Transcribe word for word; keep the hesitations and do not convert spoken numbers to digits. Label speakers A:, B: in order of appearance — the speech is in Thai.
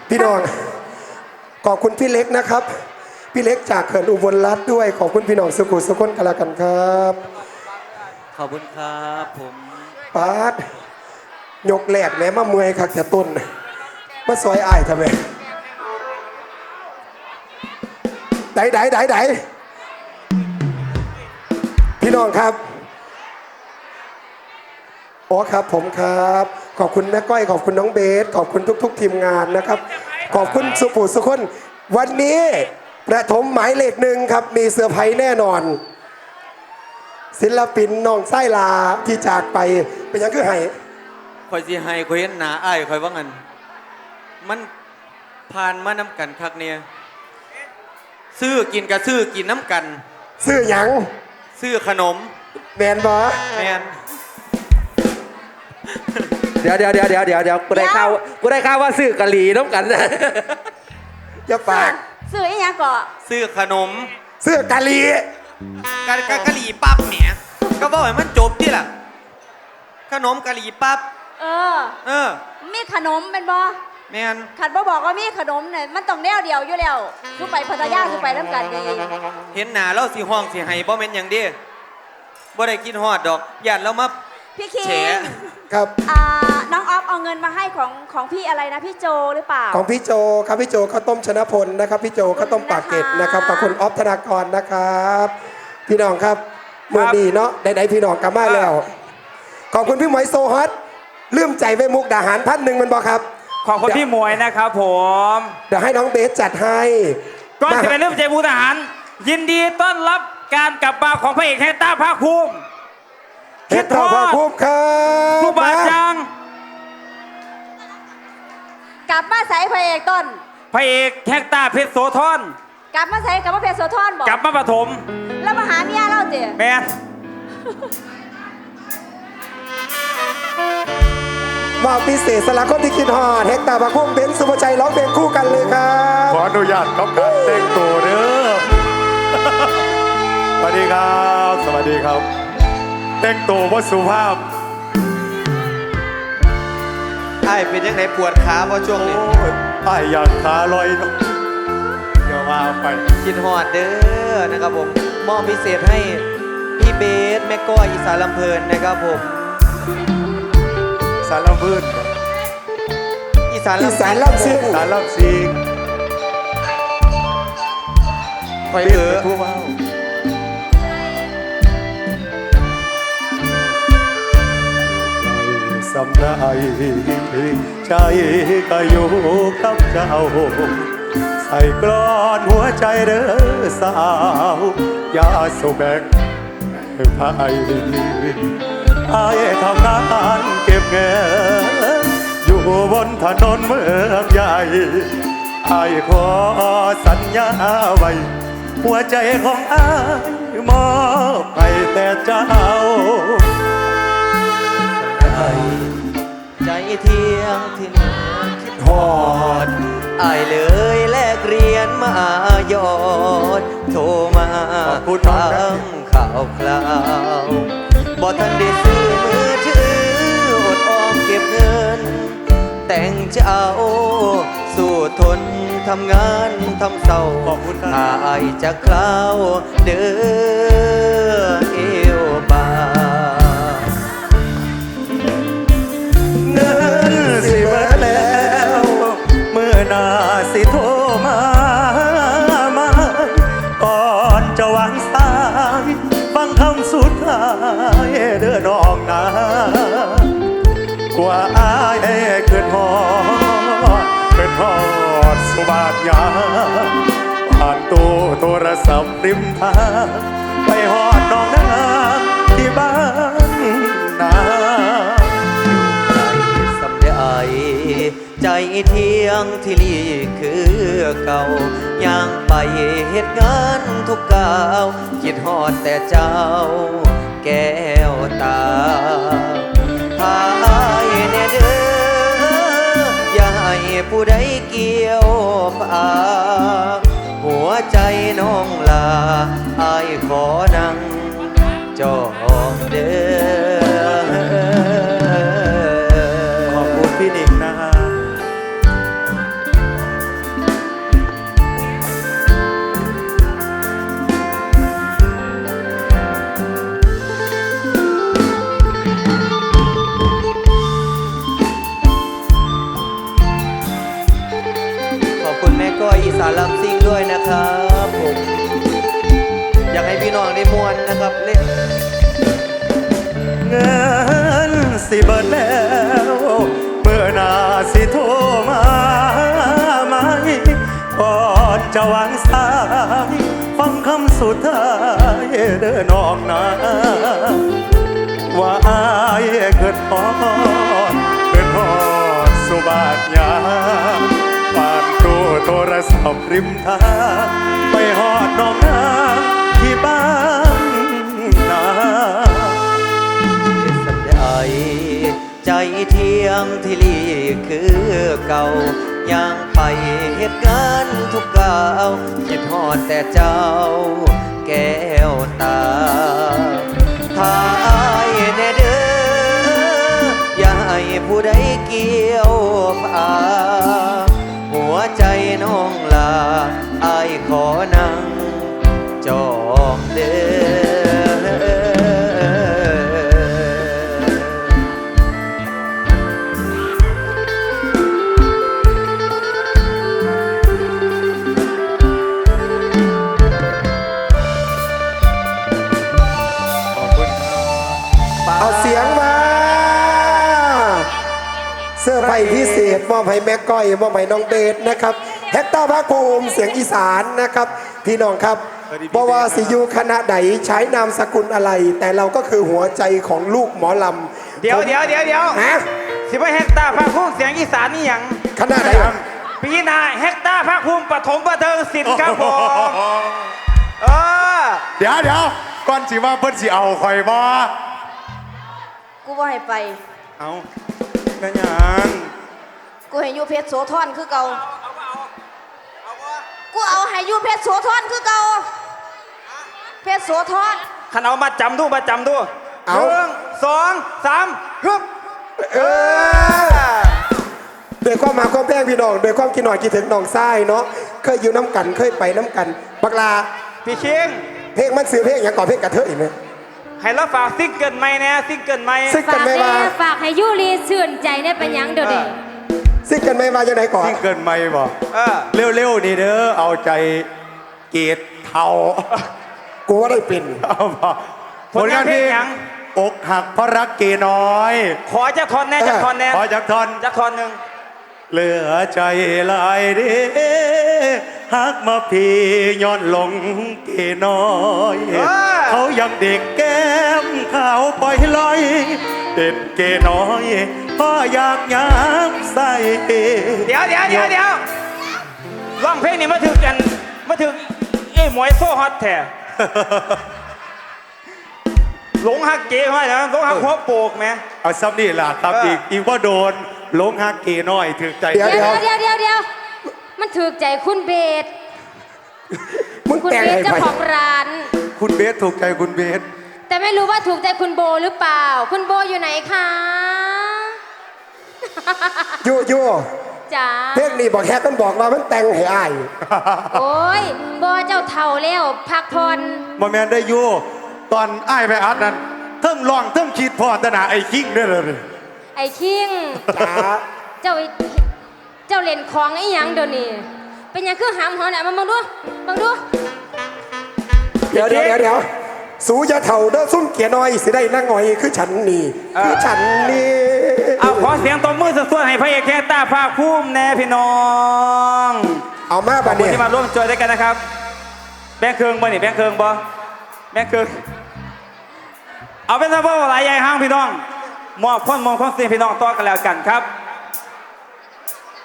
A: พี่น้องขอบคุณพี่เล็กนะครับพี่เล็กจากเขื่อนอุบลรัตน์ด้วยขอบคุณพี่น้องสุขุมสุขนกันละกันครับ
B: ขอบคุณครับผม
A: ปาดยกแหลกแม้มาเมื่อยคักแต่ต้นมาซอยอ้ายทำไมไดไดไดไดพี่น้องครับอ๋อครับผมครับขอบคุณแม่ก้อยขอบคุณน้องเบสขอบคุณทุกๆทีมงานนะครับขอบคุณสุภูสุคนวันนี้ประถมหมายเลขหนึ่งครับมีเซอร์ไพรส์แน่นอนศิลปินน้องไส้ลาที่จากไปเป็นยังคือไห้
B: คอยสิให้คอยเห็นหนาอ้ายคอยว่างันมันผ่านมาน้ำกันคักเนี่ยซื้อกินกับซื้อกินน้ำกัน
A: ซื้อหยัง
B: ซื้อขนม
A: แมนบอ
B: แมน
C: เดี๋ยวเดี๋ยวเดี๋ยวเดี๋ยวเดี๋ยวเดี๋ยวกูได้ข่าวกูได้ข่าวว่าซื้อกะหรี่น้ำกันนะ
A: อย่าปาก
D: ซื้ออีหยังก่อ
B: ซื้อขนม
A: ซื้อกะหรี่
B: กะกะกะหรี่ปั๊บเนี่ยก็บอกให้มันจบที่ล่ะขนมกะหรี่ปั๊บ
D: เออ
B: เออ
D: มีขนมเป็นบ่
B: แมน
D: ขันบ่บอกว่ามีขนมเนี่ยมันต้องแนวเดียวอยู่แล้วทุกไปพัทยาทุกไปน้ำกันไง
B: เห็นหนาเราสิห้องสิให้บ่แม่นอย่างเดีบ่ได้กินฮอดดอกย่านเรามา
D: พี่คิง
A: ครับ
D: อ่าน้องออฟเอาเงินมาให้ของของพี่อะไรนะพี่โจหรือเปล่า
A: ของพี่โจครับพี่โจข้าวต้มชนะพลนะครับพี่โจข้าวต้มปากเกร็ดนะครับขอบคุณออฟธนากรนะครับพี่น้องครับเมื่อดีเนาะใดๆพี่น้องกลับมาแล้วขอบคุณพี่หมวยโซฮอตลืมใจไว้มุกดาหารพันหนึ่งมันบอกครับ
C: ขอบคุณพี่หมวยนะครับผม
A: เดี๋ยวให้น้องเบสจัดให้
C: ก่อนจะไปเริ่มใจมุกดาหารยินดีต้อนรับการกลับมาของพระเอกแฮต้าภาคภูมิ
A: เฮ็ดต่อภาคภูมิครับ
C: ผู้บาดจัง
D: กลับมาใส่พระเอกต้น
C: พระเอกแฮต้าเพชรโสธร
D: กลับมาใส่กลับมาเพชรโสธรบอก
C: กลับมาปฐม
D: แล้วมาหาเมียเราเตี๋ย
C: แมน
A: ว่าพิเศษสละคนที่คิดฮอดเฮกตาภาคภูมิเบนซ์สุภชัยร้องเพลงคู่กันเลยครับ
E: ขออนุญาตครับการแต่งตัวเด้อสวัสดีครับสวัสดีครับแต่งตัวว่าสุภาพ
B: ไอ้เป็นยังไงปวดขาเพราะช่วงนี้
E: ไอ้อยากขาลอยเนาะเดี๋ยวมาไป
B: กินฮอดเด้อนะครับผมมอบพิเศษให้พี่เบสแม่ก้อยอีสานลำเพลินนะครับผม
E: สารลำพื้น
B: อีสาน
A: อีสานลำซิง
E: สารลำซิง
B: คอยเถอะ
E: ผู้ว่าสำได้ใจก็อยู่กับเจ้าใส่กลอนหัวใจเด้อสาวยาสูบแบกพายไอ้ทำงานเก็บเงินอยู่บนถนนเมืองใหญ่ไอ้ขอสัญญาไว้หัวใจของไอ้มอบให้แต่เจ้า
B: ใจเที่ยงที่คิดฮอดไอ้เลยแลกเรียนมายอดโทรมาถามข่าวคราวบ่ทันได้ซื้อมือถืออดออมเก็บเงินแต่งเจ้าสู้ทนทำงานทำเศร้าอายจะคราวเด้อเอวบา
E: เงินสิเบิดแล้วเมื่อนาสิโทรมามาก่อนจะวางสายฟังคำสุดท้ายเด้อน้องนากว่าอายเกินหอดเป็นหอดสุบาทยาผ่านตู้โทรศัพท์ริมทางไปหอดน้องนาที่บ้านนา
B: ใจเที่ยงที่ลีคือเก่าย่างไปเหตุงานทุกก้าวคิดฮอดแต่เจ้าแก้วตาพายแน่เด้ออย่าให้ผู้ใดเกี่ยวปากหัวใจน้องลาอายขอนั่งจองเด้อ
E: ขอบคุณพี่หนิงนะ
B: ก้อยอีสานลำซิ่งด้วยนะครับผมอยากให้พี่น้องได้มวนนะครับเล่น
E: เงินสิเบิดแล้วเมื่อหนาสิโทรมาไหมก่อนจะวางสายฟังคำสุดท้ายเดินน้องนาว่าอายเกิดพอดเกิดพอดสุบาทยาปานตู้โทรศัพท์ริมทางไปหอดน้องนาที่บ้านนา
B: สำได้ใจเที่ยงที่ลีคือเก่ายังไปเหตุการณ์ทุกก้าวคิดฮอดแต่เจ้าแก้วตาทายแน่เด้ออย่าให้ผู้ใดเกี่ยวพาหัวใจน้องลาอายขอนั่งจองเด้อ
E: ขอบคุณครับ
A: เอาเสียงมา เสื้อไผ่พิเศษมอบให้แม่ก้อยมอบให้น้องเบสนะครับแฮกเตอร์ภาคภูมิเสียงอีสานนะครับ พี่น้องครับเพราะว่าสิอยูคณะใดใช้นามสกุลอะไร แต่เราก็คือหัวใจของลูกหมอลำ
C: เดี๋ยวเดี๋ยวเดี๋ยวเดี๋ยว
A: ฮะ
C: สิบเฮกตาร์ภาคภูมิเสียงอีสานนี่หยัง
A: คณะใดครับ
C: ปีหนาเฮกตาร์ภาคภูมิปฐมประเทิงศิลป์ครับผมเออ
E: เดี๋ยวเดี๋ยวก่อนสิว่าเพิ่นสิเอาคอยบ่
D: กูว่าให้ไป
E: เอาแม่หยัง
D: กูให้อยูเพชรโสธรคือเก่ากูเอาให้อยูเพชรโสธรคือเก่าเพชรโสธร
C: ขันเอามาจำดูมาจำดู
A: เอา
C: หนึ่งสองสามฮึบ
A: เออโดยความมาความแป้งพี่น้องโดยความกินหน่อยกินถึงน้องทรายเนาะเคยอยู่น้ำกันเคยไปน้ำกันบักลา
C: พี่คิง
A: เพลงมันซื้อเพลงอย่างก่อนเพลงกระเทยไหม
C: ให้เราฝากซิงเกิลใหม่แน่ซิงเกิลใหม่
A: ซิงเกิล
F: ฝาก
A: ไม่
F: แน่
A: มา
F: ฝากให้ยูรีชื่นใจได้เป็นหยังเดี๋ยวนี้
A: ซิงเกิลไม่มาจะไหนก่อน
E: ซิ่งเกินไม่บ่
C: เออ
E: เร็วๆนี่เด้อเอาใจเกตเทา
A: กูว่าได้เป็น
E: เอาบ่
C: ผลงานเพลงหยัง
E: อกหักเพราะรักเกน้อย
C: ขอจะทอนแน่จะทอนแน่
E: ขอจักทอน
C: จะทอนหนึ่ง
E: เหลือใจหลายเด้หักมาพี่ย้อนหลงเกน้อย เขายังเด็กแก้มขาวปล่อยลอยเด็ดเกน้อยพ่ออยากย้ำใส่
C: เดี๋ยวเดี๋ยวเดี๋ยวเดี๋ยวร้องเพลงนี้มาถึงกันมาถึงเอ้หมวยโซ่ฮอตแท้ หลงฮักเก๋ห้อยนะหลงฮักหัวโปกไหม
E: เอาซ้ำนี่ล่ะครับ
C: เอออี
E: อีกอีกว่าโดนหลงหักเกน้อยถึงใจ
A: เดี๋ยว
F: เดี๋ยวเดี๋ยวเดี๋ยวเดี๋ยวมันถูกใจคุณเบส
A: มึง
F: คุณ
A: แต่ง
F: เบส
A: ให้
F: เจ้า
A: ไป
F: ของร้าน
E: คุณเบสถูกใจคุณเบส
F: แต่ไม่รู้ว่าถูกใจคุณโบหรือเปล่า คุณโบอยู่ไหนคะ
A: ยูยู
F: จ๋า
A: เพลงนี้บอกแฮกมันบอกว่ามันแต่งให้อาย
F: โอ้ยโบเจ้าเท่าแล้วพักผ่อน
E: มาแมนได้อยู่ตอนอ้ายไปอัดนั้นเทิงร้องเทิงคิดพอตนาไอ้คิงด้วยเลย
F: ไอ้คิง
A: จ๋า
F: เจ้าเจ้าเล่นของไอ้หยังเดี๋ยวนี้เป็นหยังคือหามหัวไหนมาบังดูบังดู
A: เดี๋ยวเดี๋ยวเดี๋ยวเดี๋ยวสูจะเถ่าเด้อซุ่มเกียร์น้อยสิได้นั่งหน่อยคือฉันนี่คือฉันนี่
C: เอาขอเสียงตบมือสดๆให้พระเอกแคตาภาคภูมิแน่พี่น้อง
A: เอามา
C: ขอ
A: บั
C: บ
A: ด
C: คุณ
A: เนี่ย
C: ที่มาร่วมจอยด้วยกันนะครับ แบงค์เคืองบ่นี่แบงค์เคืองบ่แบงค์เคืองเอาเป็นซะว่าหลายใหญ่ห้างพี่น้องมอบความมองความเสียงพี่น้องต่อกันแล้วกันครับ